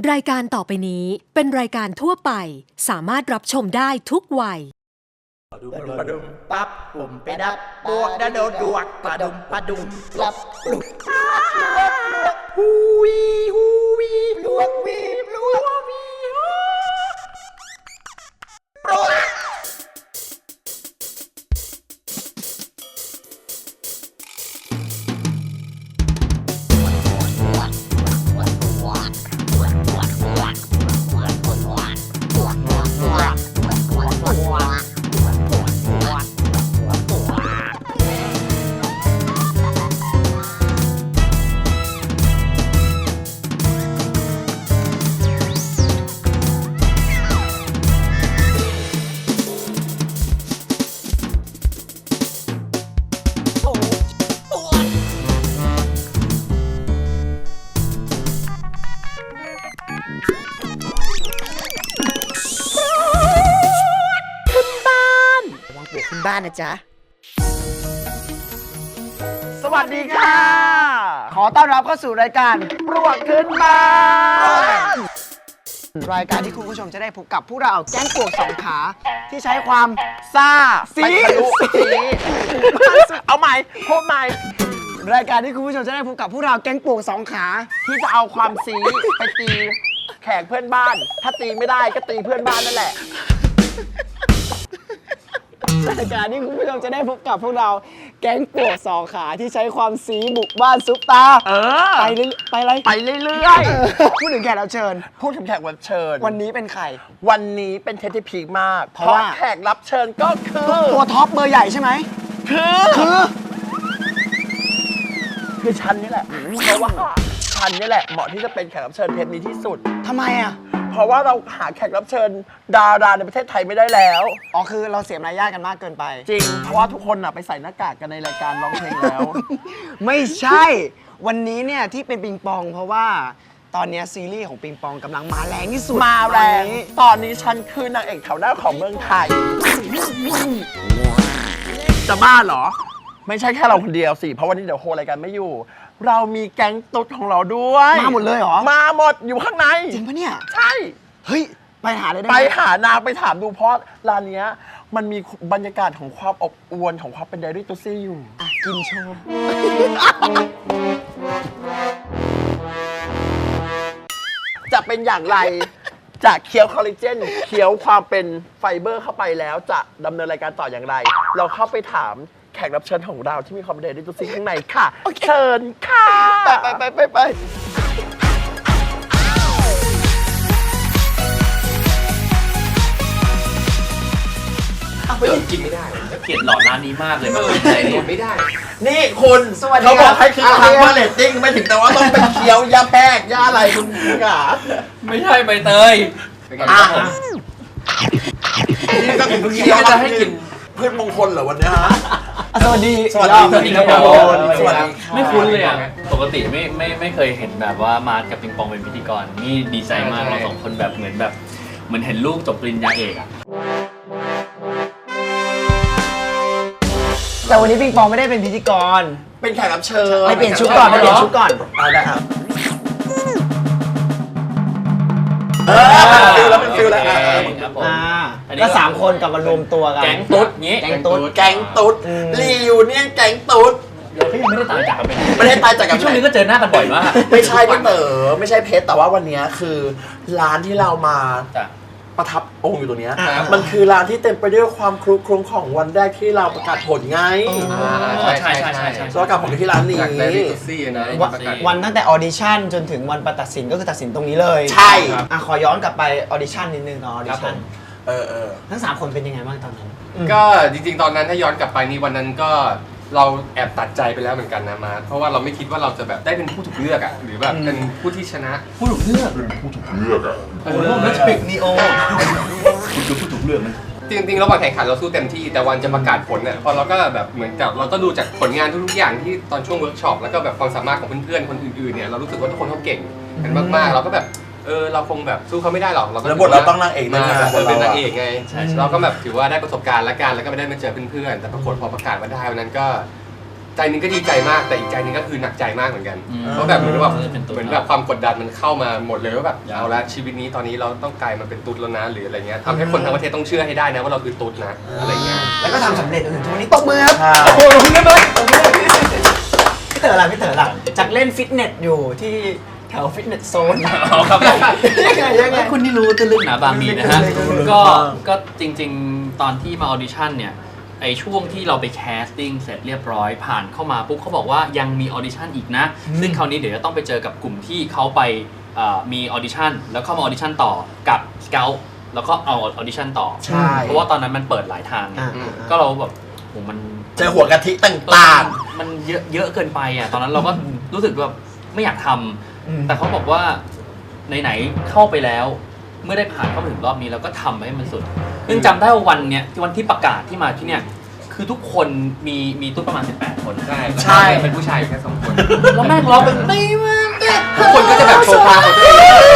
รายการต่อไปนี้เป็นรายการทั่วไปสามารถรับชมได้ทุกวัยปะดุมปั๊บปุ่มไปดับบวกดะโดดวกปะดุมปั๊บลุกฮูวีลวกวีลวกวีโปรดบ้านนะจ๊ะสวัสดีค่ะขอต้อนรับเข้าสู่รายการปลวกขึ้นบ้านรายการที่คุณผู้ชมจะได้พบกับพวกเราแก๊งปลวกสองขาที่ใช้ความซ่าสีเอาใหม่พูดใหม่รายการที่คุณผู้ชมจะได้พบกับพวกเราแก๊งปลวกสองขาที่จะเอาความสีไปตีแขกเพื่อนบ้านถ้าตีไม่ได้ก็ตีเพื่อนบ้านนั่นแหละรายการที่คุณผู้ชมจะได้พบกับพวกเราแก๊งปลวกสองขาที่ใช้ความสีบุกบ้านซุปตาไปเรื่อยพูดถึงแขกรับเชิญพูดถึงแขกรับเชิญวันนี้เป็นใครวันนี้เป็นเทปที่พีคมากเพราะว่าแขกรับเชิญก็คือตัวท็อปเบอร์ใหญ่ใช่ไหมคือฉันนี่แหละเพราะว่าฉันนี่แหละเหมาะที่จะเป็นแขกรับเชิญเทปนี้ที่สุดทำไมอ่ะเพราะว่าเราหาแขกรับเชิญดาราในประเทศไทยไม่ได้แล้วอ๋อคือเราเสียมารยาทกันมากเกินไปจริงเพราะว่าทุกคนไปใส่หน้ากากกันในรายการร้องเพลงแล้วไม่ใช่วันนี้เนี่ยที่เป็นปิงปองเพราะว่าตอนนี้ซีรีส์ของปิงปองกำลังมาแรงที่สุดมาแรงตอนนี้ฉันคือนางเอกแถวหน้าของเมืองไทยจะบ้าเหรอไม่ใช่แค่เราคนเดียวสิเพราะวันนี้เดี๋ยวโฮรายการไม่อยู่เรามีแก๊งตุ๊ดของเราด้วยมาหมดเลยเหรอมาหมดอยู่ข้างในจริงปะเนี่ยใช่เฮ้ยไปหาเลยได้ไหมไปหานางไปถามดูเพราะร้านนี้มันมีบรรยากาศของความอบอวลของความเป็นไดรี่ตุ๊ซี่อยู่กินโชว์จะเป็นอย่างไรจะเคี้ยวคอลลาเจนเคี้ยวความเป็นไฟเบอร์เข้าไปแล้วจะดำเนินรายการต่ออย่างไร เราเข้าไปถามแขกรับเชิญของเราที่มีความเป็นไดรี่ตุ๊ซี่ข้างในค่ะเชิญค่ะไปกินไม่ได้เกลียดหลอดร้านนี้มากเลยมันเป็นอะไรเนี่ยไม่ได้นี่คุณเขาบอกให้คือทำว่าเรตติ้งไม่ถึงแต่ว่าต้องเป็นเคี้ยวยาแป้งยาอะไรคุณค่ะไม่ใช่ใบเตยนี่ก็ถึงเคี้ยวจะให้กินพืชมงคลเหรอวันนี้ฮะสวัสดีครับสวัสดีไม่คุ้นเลยอ่ะปกติไม่เคยเห็นแบบว่ามากับปิงปองเป็นพิธีกรนี่ดีใจมากเราสองคนแบบเหมือนเห็นลูกจบปริญญาเอกอ่ะแต่วันนี้ปิงปองไม่ได้เป็นพิธีกรเป็นแขกรับเชิญไปเปลี่ยนชุดก่อนได้ครับเป็นฟิลแล้วก็3คนกลับมารวมตัวกันแก๊งตุ๊ดงี้แก๊งตุ๊ดรีวิวเนี่ยแก๊งตุ๊ดเขายังไม่ได้ตายจากกันไปไม่ได้ตายจากกันช่วงนี้ก็เจอหน้ากันบ่อยมากไม่ใช่พี่เต๋อไม่ใช่เพชรแต่ว่าวันนี้คือร้านที่เรามาประทับองค์อยู่ตรงนี้มันคือร้านที่เต็มไปด้วยความครุกรุงของวันแรกที่เราประกาศผลไงใช่ประกาศผลที่ร้านนี้วันตั้งแต่ออดิชั่นจนถึงวันประตัดสินก็คือตัดสินตรงนี้เลยใช่ขอย้อนกลับไปออดิชั่นนิดนึงเนาะออดิชั่นทั้ง3คนเป็นยังไงบ้างตอนนั้นก็จริงๆตอนนั้นถ้าย้อนกลับไปนี่วันนั้นก็เราแอบตัดใจไปแล้วเหมือนกันนะมาเพราะว่าเราไม่คิดว่าเราจะแบบได้เป็นผู้ถูกเลือกอ่ะหรือแบบเป็นผู้ที่ชนะผู้ถูกเลือกอ่ะโอ้โหนักปิกนีโอคุณคือผู้ถูกเลือกนะจริงๆระหว่างแข่งขันเราสู้เต็มที่แต่วันจะประกาศผลเนี่ยพอเราก็แบบเหมือนกับเราก็ดูจากผลงานทุกๆอย่างที่ตอนช่วงเวิร์กช็อปแล้วก็แบบความสามารถของเพื่อนๆคนอื่นๆเนี่ยเรารู้สึกว่าทุกคนเขาเก่งกันมากๆเราก็แบบเราคงแบบสู้เขาไม่ได้หรอกเราก็บทเราต้องนางเอกนะเป็นนางเอกไงเราก็แบบถือว่าได้ประสบการณ์ละกันแล้วก็ไม่ได้มาเจอเพื่อนๆแต่ปรากฏพอประกาศมาได้วันนั้นก็ใจหนึงก็ดีใจมากแต่อีกใจหนึงก็คือหนักใจมากเหมือนกันอืมเพราะแบบเหมือนแบบเป็นตุ๊ดเหมือนแบบความกดดันมันเข้ามาหมดเลยว่าแบบเอาละชีวิตนี้ตอนนี้เราต้องกลายมาเป็นตุ๊ดแล้วนะหรืออะไรเงี้ยทำให้คนทั้งประเทศต้องเชื่อให้ได้นะว่าเราคือตุ๊ดนะอะไรเงี้ยแล้วก็ทำสำเร็จจนถึงทุกวันนี้ตบมือครับใช่โอ้โหลงเงินเลยพี่เต๋อล่ะพี่เต๋อล่ะจากเล่นฟิตเนสอยู่ที่แถวฟิตเนสโซนอ๋อครับยังไงคุณนี่รู้ตื้นลึกหนาบางมีนะฮะรู้ก็จริงๆ ตอนที่มาออดิชั่นเนี่ยไอช่วงที่เราไปแคสติ้งเสร็จเรียบร้อยผ่านเข้ามาปุ๊บเขาบอกว่ายังมีออดิชั่นอีกนะ ซึ่งคราวนี้เดี๋ยวจะต้องไปเจอกับกลุ่มที่เขาไปมีออดิชั่นแล้วเข้ามาออดิชั่นต่อกับสเกลแล้วก็เอาออดิชั่นต่อใช่เพราะว่าตอนนั้นมันเปิดหลายทางไง ก็เราแบบโหมันเจอหัวกะทิต่างมันเยอะเกินไปอ่ะตอนนั้นเราก็รู้สึกแบบไม่อยากทำแต่เขาบอกว่าไหนๆเข้าไปแล้ว เมื่อได้ผ่านเข้ามาถึงรอบนี้เราก็ทำให้มันสุดซึ่งจำได้ว่าวันเนี้ยวันที่ประกาศที่มาที่เนี่ยคือทุกคนมีตุ๊กประมาณ18 คนใช่ใช่เป็นผู้ชายแค่2 คนแล้วแม่งร้องเป็นตีมากทุกคนก็จะแบบโชว์พาของตัวเอง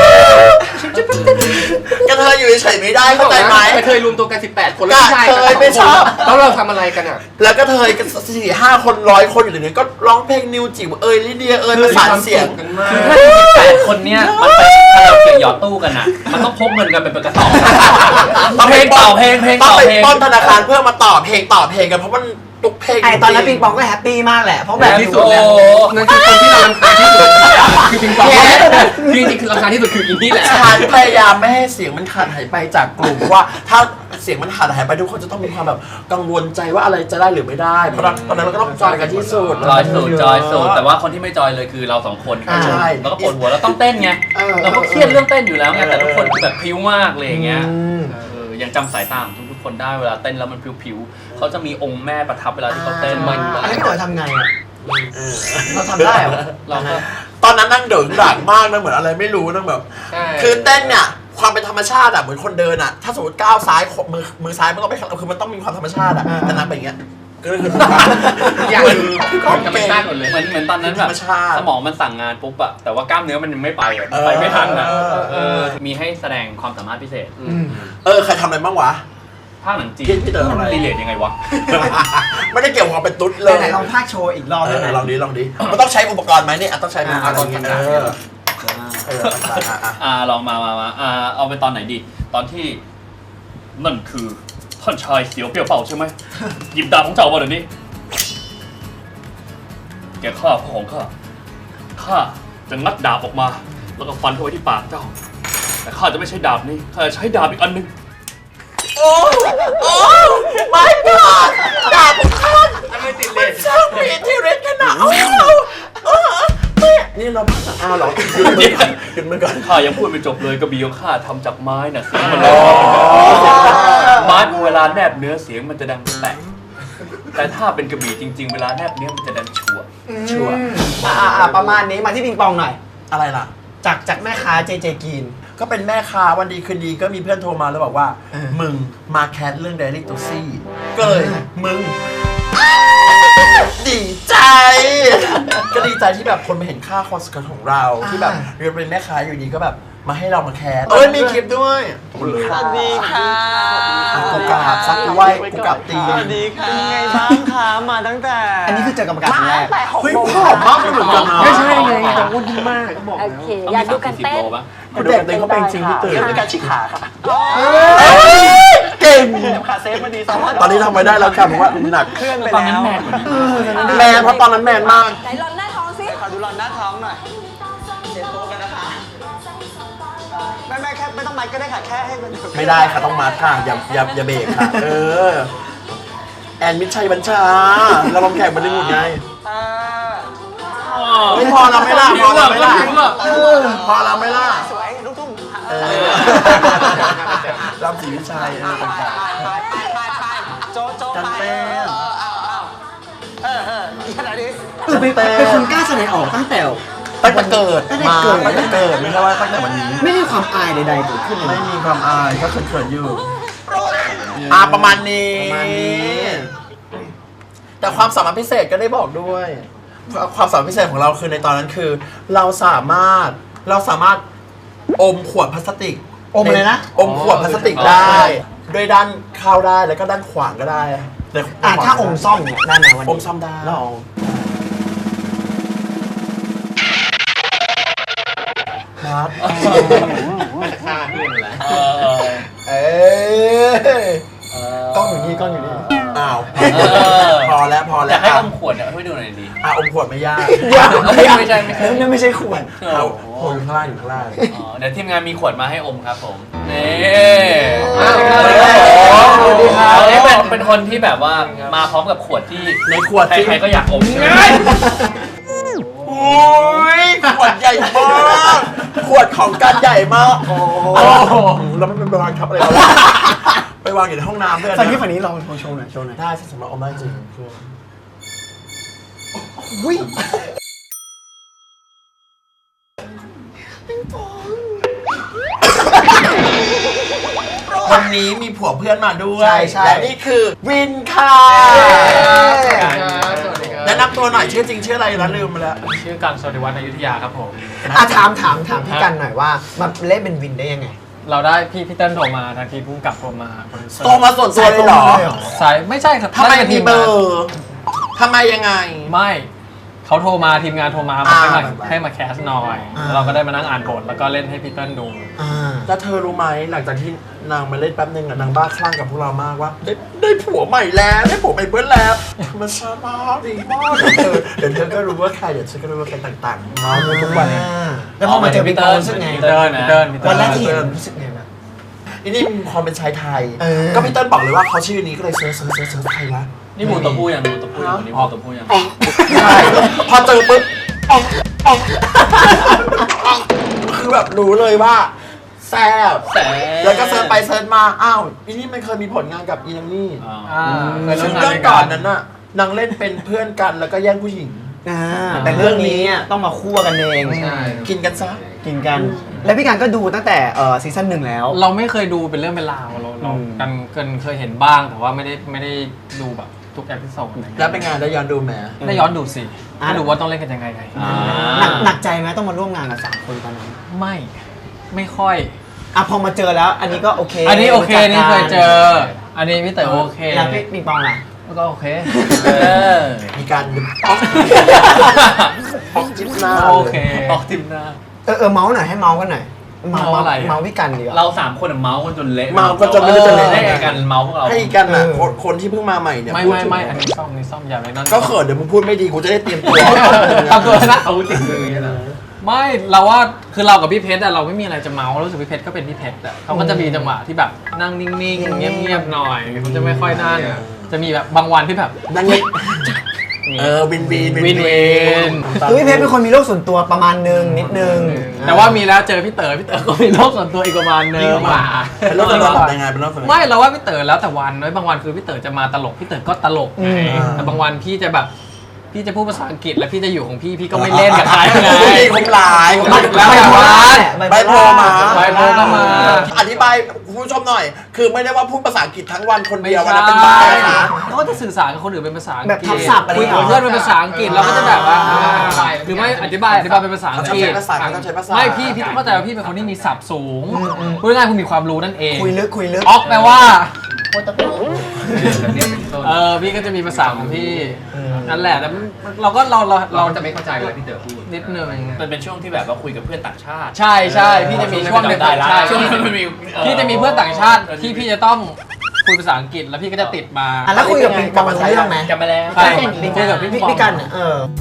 ๆกระเทยอยู่เฉยๆไม่ได้เข้าใจไหมไปเคยรวมตัวกัน18 คนแล้วผู้ชายกะเทยไม่ชอบแล้วเราทำอะไรกันอ่ะแล้วก็เทยกัน4-5 คน100 คนอยู่ในนี้ก็ร้องเพลงนิวจิ๋วลิเดียประสานเสียงกันมากคือถ้า18 คนเนี้ยมันไปคาราโอเกะหยอดตู้กันอ่ะมันต้องพกเงินกันเป็นกระสอบเพลงต่อเพลงต้องต่อไปเพลงป้อนธนาคารเพื่อมาต่อเพลงกันเพราะมันตุกเพลงไอตอนนั้นปิงปองก็แฮปปี้มากแหละเพราะแบบที่สุดเนี่ยนั่นคือคนที่เรารำคาญที่สุดคือปิงปองที่จริงคือรำคาญที่สุดคืออีนี่แหละฉันพยายามไม่ให้เสียงมันขาดหายไปจากกลุ่มว่าถ้าเสียงมันขาดหายไปทุกคนจะต้องมีความแบบกังวลใจว่าอะไรจะได้หรือไม่ได้เพราะตอนนั้นเราก็ต้องจอยกันที่สุดจอยสุดแต่ว่าคนที่ไม่จอยเลยคือเรา2 คนใช่แล้วก็ปวดหัวแล้วต้องเต้นไงเราก็เครียดเรื่องเต้นอยู่แล้วไงแต่ทุกคนคือแบบพริ้วมากเลยอย่างเงี้ยยังจำสายตาของทุกคนได้เวลาเต้นแล้วมันพริ้วๆเขาจะมีองค์แม่ประทับเวลาที่เขาเต้นมันอันนี้พี่เต๋อทำไงอ่ะเราทำได้เหรอเราก็ตอนนั้นนั่งเดินด่างมากนะเหมือนอะไรไม่รู้นั่งแบบใช่คือเต้นเนี่ยความเป็นธรรมชาติอะเหมือนคนเดินอะถ้าสมมติก้าวซ้ายมือซ้ายมันก็ไม่คือมันต้องมีความธรรมชาติอะแต่นั่งเป็นอย่างเงี้ยก็คืออย่างเหมือนธรรมชาติหมดเลยเหมือนตอนนั้นแบบธรรมชาติสมองมันสั่งงานปุ๊บอะแต่ว่ากล้ามเนื้อมันยังไม่ไปอะไปไม่ทันอะมีให้แสดงความสามารถพิเศษใครทำอะไรบ้างวะภาคหนังจีนพี่เต๋อทำอะไรมันรีเลทยังไงวะไม่ได้เกี่ยวกับความเป็นตุ๊ดเลยไหนลองพากโชว์อีกรอบได้ไหมลองดิมันต้องใช้อุปกรณ์ไหมเนี่ยต้องใช้อุปกรณ์ลองมาเอาไปตอนไหนดี ตอนที่นั่นคือท่านชายเสียวเปรี้ยวเป่าใช่ไหมหยิบดาบของเจ้ามาเดี๋ยวนี้แกฆ่าพ่อของข้าจะงัดดาบออกมา แล้วก็ฟันเข้าไปที่ปากเจ้า แต่ข้าจะไม่ใช้ดาบนี้ข้าจะใช้ดาบอีกอันหนึงโอ้ไม่กอดดาบของท่านไม่ติดเลมันยช่างมีอิทธิฤทธิ์ขนาดนี่เราหรอหยุดมือก่อนข้ายังพูดไม่จบเลยกระบี่ของข้าทำจากไม้น่ะเสียงมันเลยไม้เวลาแนบเนื้อเสียงมันจะดังแตกแต่ถ้าเป็นกระบี่จริงๆเวลาแนบเนื้อมันจะดังชัวประมาณนี้มาที่ปิงปองหน่อยอะไรล่ะจากแม่ค้าเจเจกีนก็เป็นแม่ค้าวันดีคืนดีก็มีเพื่อนโทรมาแล้วบอกว่ามึงมาแคสเรื่อง Daily t o x ก็เลยมึงดีใจ ก็ดีใจที่แบบคนมาเห็นค่าคอสกันของเราที่แบบเรียนเป็นแม่ค้าอยู่ดีก็แบบมาให้เรามาแคสมีคลิปด้วยสวัสดีค่ะกูกราบซักกูไหวกูกราบตีสวัสดีค่ะเป็นไงบ้างคะมาตั้งแต่อันนี้คือเจอกรรมการครั้งแรกเฮ้ยผอมมากเหมือนกันนะไม่ใช่ไงแต่อ้วนดีมากเขาบอกโอเค อยากดูกันเต้นคุณเด็กเต็งเขาเป็นจริงพี่ตื่นเป็นการชิกขาค่ะเก่งขาเซฟมาดีสองวันตอนนี้ทำไม่ได้แล้วค่ะผมว่าหนักเคลื่อนไปตอนนั้แล้นวแมนกว่านี้แมนเพราะตอนนั้นแมนมากไหนลอนหน้าท้องสิขอดูรอนหน้าท้องหน่อยเช็ดโต๊ะกันนะคะแม่แค่ไม่ต้องมัดก็ได้ค่ะแค่ให้มันไม่ได้ค่ะต้องมาค่ะอย่าเบรกค่ะแอนมิตรชัยบัญชาเราลองแข่งบอลลีวูดไงไม่พอเราไม่ล่ะพอเราไม่ล่ะพอเราไม่ล่ะสวยลูกทุ่งรำศรีวิชัยต่างโจ๊ะกันไปเต้นขนาดนี้เป็นคนกล้าแสดงออกตั้งแต่ตั้งแต่เกิดมาตั้งแต่เกิดไม่ใช่ว่าตั้งแต่วันนี้ไม่มีความอายใดๆเกิดขึ้นเลยไม่มีความอายก็เขินๆอยู่ประมาณนี้แต่ความสามารถพิเศษก็ได้บอกด้วย ความสามารถพิเศษของเราคือในตอนนั้นคือ เราสามารถอมขวดพลาสติกอมเลยนะอมขวดพลาสติกได้ด้วยด้านเข้าได้แล้วก็ด้านขวางก็ได้ถ้าอมซ่อมเนี่ยได้ไหมวันนี้อมซ่อมได้แล้วเอาชัดมันจะฆ่าเพื่อนแหละเอ้ยกล้องอยู่นี่กล้องอยู่นี่อ้าวพอแล้วอยากให้อมขวดเนี่ยให้ดูหน่อยดิอมขวดไม่ยากไม่ใช่นั่นไม่ใช่ขวดเอาโอยู่ข้างล่างอยู่ข้างล่างอ๋อเดี๋ยวทีมงานมีขวดมาให้อมครับผมนี่สวัสดีครับนี่เป็นคนที่แบบว่ามาพร้อมกับขวดที่ในขวดใครๆก็อยากอมใช่ไหมโอ้ยขวดใหญ่มากขวดของกันใหญ่มากโอ้แล้วมันเป็นไปวางทับอะไรวะไปวางอยู่ในห้องน้ำเพื่อนฝั่งนี้ลองโชว์หน่อยได้สำหรับอมได้จริงอุ้ยวันนี้มีผัวเพื่อนมาด้วยใช่และนี่คือวินค่ะสวัสดีครับแนะนำตัวหน่อยชื่อจริงชื่ออะไรนะลืมไปแล้วชื่อกันสวัสดิวัฒน์อยุธยาครับผมถามพี่กันหน่อยว่ามาเล่นเป็นวินได้ยังไงเราได้พี่เติ้ลโทรมาทางทีมผู้กำกับโทรมาโปรดิวเซอร์โตมาส่วนตัวเลยเหรอสายไม่ใช่ครับทำไมน่าจะมีเบอร์ทำไมยังไงไม่เขาโทรมาทีมงานโทรมาอ่าให้มาแคสหน่อยอ่าแล้วเราก็ได้มานั่งอ่านบทแล้วก็เล่นให้พี่เติ้ลดูแล้วเธอรู้ไหมหลังจากที่นางมาเล่นแป๊บนึงอะนางบ้าคลั่งกับพวกเรามากว่าได้ผัวใหม่แล้วได้ผัวใหม่เพื่อนแล้วมันชาบ้าดีมากเดี๋ยวเธอก็รู้ว่าใครเดี๋ยวฉันก็รู้ว่าใครต่างๆมาทุกวันแล้วพอมาเจอพี่เติ้ลรู้สึกไงพี่เติ้ลวันแรกที่เห็นรู้สึกไงบ้างอันนี้มีความเป็นชายไทยเออก็พี่เติ้ลบอกเลยว่าเขาชื่อนี้ก็เลยเซิร์ชใครวะนี่หมูตัวผู้ยังหมูตัวผู้ยังวันนี้หมูตัวผู้ยังใช่พอเจอปุ๊บคือแบบรู้เลยว่าแซ่บแล้วก็เซิร์ชไปเซิร์ชมาอ้าวอีนี่มันเคยมีผลงานกับอีนังนี่เคยร่วซึ่มงงานเรื่องด้วยก่กัอนนนั้นน่ะนางเล่นเป็นเพื่อนกันแล้วก็แย่งผู้หญิงแต่เรื่องนี้ต้องมาคู่กันเองกินกันซะกินกัน แล้วพี่กันก็ดูตั้งแต่ซีซั่น 1แล้วเราไม่เคยดูเป็นเรื่องเป็นราวเราอืมกันเคยเห็นบ้างแต่ว่าไม่ได้ดูแบบทุกเอพิโซดอะไรเงี้ยแล้วเป็นงานได้ย้อนดูไหมได้ย้อนดูสิให้ดูว่าต้องเล่นกันยังไงหนักใจไหมต้องมาร่วมงานกับ3คนตอนนั้นไม่ค่อยพอมาเจอแล้วอันนี้ก็โอเคอันนี้โอเครู้จักกันี่เคยเจอ อันนี้พี่เต๋อโอเคแล้วพี่ปิงปองล่ะก็โอเคมีการป๊อกจิ๊บหน้าโอเคออกทีมหน้าเมาส์หน่อยให้เมาส์กันหน่อยเมาส์อะไรอะเมาส์พี่กันดีกว่าเราสามคนเมาส์กันจนเละเมาก็จะไม่รู้จะเล่นได้ยังไงกันเมาส์พวกเราให้กันน่ะคนที่เพิ่งมาใหม่เนี่ยไม่พูดถึงอันนี้ซ่อมอย่าเลยนั่นก็เขินเดี๋ยวมึงพูดไม่ดีกูจะได้เตรียมตัวทำตัวนะเอาจริงเลยนะไม่เราว่าคือเรากับพี่เพชรอะเราไม่มีอะไรจะเมาส์รู้สึกพี่เพชรก็เป็นพี่เพชรอะเขาก็จะมีจังหวะที่แบบนั่งนิ่งๆเงียบๆหน่อยเขาจะไม่ค่อยนั่นจะมีแบบบางวันที่แบบนั่งเงียบวินวินคือพี่เพชรเป็นคนมีโลกส่วนตัวประมาณนึงนิดนึงแต่ว่ามีแล้วเจอพี่เต๋อก็มีโลกส่วนตัวอีกประมาณนึงเป็นเรื่องส่วนตัวยังไงเป็นเรื่องส่วนตัวไม่เราว่าพี่เต๋อแล้วแต่วันน้อยบางวันคือพี่เต๋อจะมาตลกพี่เต๋อก็ตลกไงแต่บางวันพี่จะแบบพี่จะพูดภาษาอังกฤษแล้วพี่จะอยู่ของพี่ก็ไม่เล่นกับใครไงคงหลายแล้วแต่วันใบโพลมาใบโพลก็มาอธิบายคุณผู้ชมหน่อย คือไม่ได้ว่าพูดภาษาอังกฤษทั้งวันคนเดียววันนั้นเป็นบ้านะเขาก็จะสื่อสารกับคนอื่นเป็นภาษาอังกฤษแบบทับศัพท์อะไรคุยอย่างกับเงี้ยเพื่อนเป็นภาษาอังกฤษเราก็จะแบบว่าหรือไม่อธิบายเป็นภาษาอังกฤษเขาต้องใช้ภาษาไม่พี่ต้องเข้าใจว่าพี่เป็นคนที่มีศัพท์สูงพูดง่ายๆคุณมีความรู้นั่นเองคุยลึกออกแปลว่าพี่ก็จะมีภาษาของพี่นั่นแหละแล้วเราก็เราจะไม่เข้าใจเวลาพี่เต๋อพูดนิดนึงมันเป็นช่วงที่แบบว่าคุยกับเพื่อนต่างชาติใช่พี่จะมีช่วงหนึ่งได้ละใช่ช่วงนี้มันมีพี่จะมีเพื่อนต่างชาติที่พี่จะต้องคุยภาษาอังกฤษแล้วพี่ก็จะติดมาแล้วคุยกับปิงปองรู้เรื่องไหมจำไปแล้วใช่คุยกับพี่พี่กันเนี่ย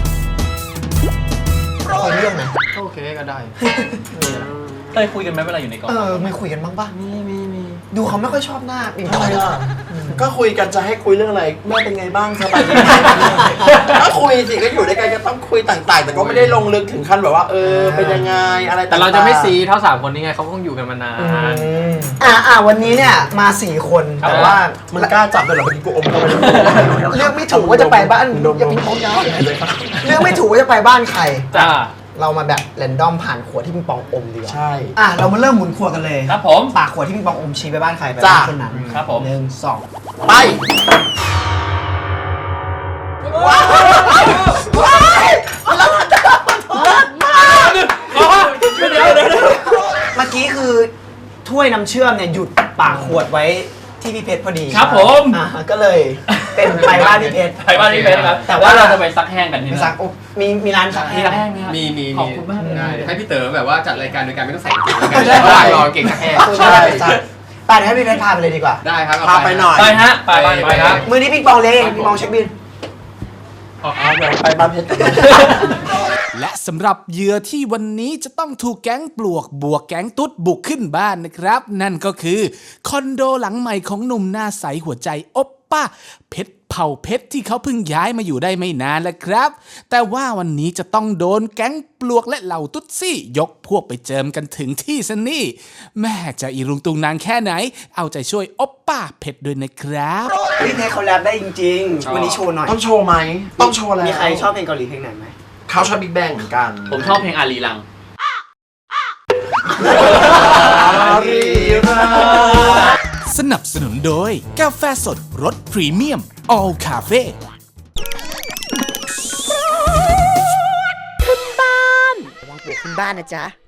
คุยเรื่องไหมโอเคก็ได้เคยคุยกันไหมเวลาอยู่ในกองไม่คุยกันบ้างป่ะมีดูเขาไม่ค่อยชอบหน้าปิงปองก็คุยกันจะให้คุยเรื่องอะไรแม่เป็นไงบ้างสบายดีก็คุยสิก็อยู่ด้วยกันก็ต้องคุยต่างๆ แต่ก็ไม่ได้ลงลึกถึงขั้นแบบว่าเป็นยังไงอะไรต่างๆแต่เราจะไม่ซีเท่า3คนนี้ไงเขาคงอยู่กันมานานวันนี้เนี่ยมา4 คนแต่ว่ามึงกล้าจับเลยเหรอเมื่อกี้กูอมเข้าไปเลือกไม่ถูกว่าจะไปบ้านอย่าปิงปองยาวเลือกไม่ถูกว่าจะไปบ้านใครจ้าเรามาแบบแรนดอมผ่านขวดที่ปิงปองอมดีกว่าใช่เรามาเริ่มหมุนขวดกันเลยครับผมปากขวดที่ปิงปองอมชี้ไปบ้านใครไปบ้านคนนั้นครับผม 1 2 ไปว้าวแล้วมันจะมาเมื่อกี้คือถ้วยน้ำเชื่อมเนี่ยหยุดปากขวดไว้ที่ที่พี่เพชรพอดีครับผมก็เลยเป็นไปบ้านพี่เพชรไปบ้านพี่เพชรครับแต่แต่ว่าว่าเราจะไปซักแห้งกันที่ไปนั่นซักอุ๊บมีร้านซักมีแห้งซักแห้งไหมครับมีขอบคุณมากเลยได้ให้พี่เต๋อแบบว่าจัดรายการโดยการไม่ต้องใส่กางเกงแล้วกันระหว่างรอเก่งสักแห้งใช่ไปเดี๋ยวให้พี่เพชรพาไปเลยดีกว่าได้ครับเอพาไปหน่อยไปฮะไปไปครับมือนี้ปิงปองเลยปิงปองเช็คบินเดี๋ยวไปบ้านเพชรกันและสำหรับเหยื่อที่วันนี้จะต้องถูกแก๊งปลวกบวกแก๊งตุ๊ดบุกขึ้นบ้านนะครับ นั่นก็คือคอนโดหลังใหม่ของหนุ่มหน้าใสหัวใจโอปป้าเพชรเผ่าเพชรที่เขาเพิ่งย้ายมาอยู่ได้ไม่นานแล้วครับ แต่ว่าวันนี้จะต้องโดนแก๊งปลวกและเหล่าตุ๊ดซี่ยกพวกไปเจิมกันถึงที่ซะนี่แม่จะอีรุงตุงนางแค่ไหน เอาใจช่วยโอปป้าเพชรด้วยนะครับพี่เพชรเขาแรปได้จริงๆวันนี้โชว์หน่อยต้องโชว์ไหมต้องโชว์แล้วมีใครชอบเพลงเกาหลีเพลงไหนไหมเขาชอบบิ๊กแบงเหมือนกันผมชอบเพลงอารีรังสนับสนุนโดยกาแฟสดรสพรีเมียม All Cafe ระวังปลวกขึ้นบ้านนะจ๊ะ